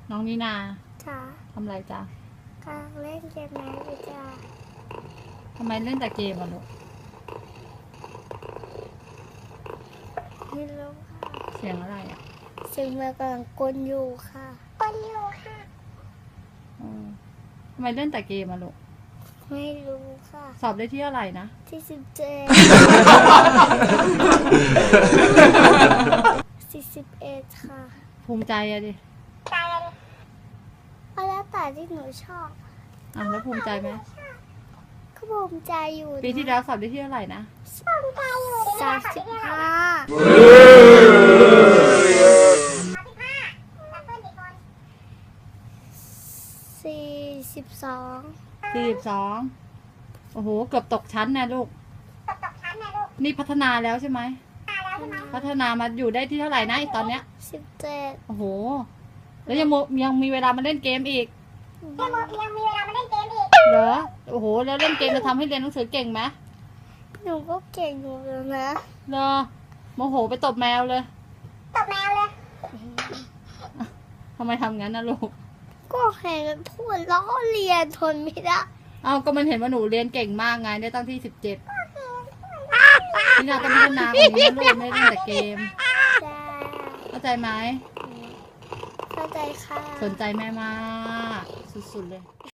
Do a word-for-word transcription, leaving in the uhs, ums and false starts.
น้องนีนาจ้าทำอะไรจ๊ะกำลังเล่นเกมแมสอยู่จ้าทำไมเล่นแต่เกมอ่ะลูกไม่รู้ค่ะเสียงอะไรอ่ะเสียงแมวกำลังกลนอยู่ค่ะกลนอยู่ค่ะเออทำไมเล่นแต่เกมอ่ะลูกไม่รู้ค่ะสอบได้ที่อะไรนะที่สิบเจ็ดสี่สิบเอ็ดค่ะภูมิใจอะดิก็แล้วแต่ที่หนูชอบอ่ะแล้วภูมิใจไหมก็ภูมิใจอยู่นะปีที่แล้วสอบได้ที่เท่าไหร่นะสามสิบห้าสี่สิบสองสี่สิบสองโอ้โห เกือบตกชั้นนะลูก นี่พัฒนาแล้วใช่ไหม พัฒนามาอยู่ได้ที่เท่าไหร่นะไอตอนเนี้ยสิบเจ็ดโอ้โห แล้วยังโมยังมีเวลามาเล่นเกมอีกยังมีเวลามาเล่นเกมอีกเหรอ โอ้โห แล้วเล่นเกมจะทำให้เรียนหนังสือเก่งไหมหนูก็เก่งอยู่แล้วนะเหรอ โมโหไปตบแมวเลยตบแมวเลยทำไมทำงั้นนะลูกก็แข่งกันพูดล้อเลียนทนไม่ได้เอาก็มันเห็นว่าหนูเรียนเก่งมากไงได้ตั้งที่สิบเจ็ดนี่นาต้องพัฒนากว่านี้นะลูกไม่ได้เล่นแต่เกมจ้าเข้าใจไหมเข้าใจค่ะสนใจแม่มาก สุดๆเลย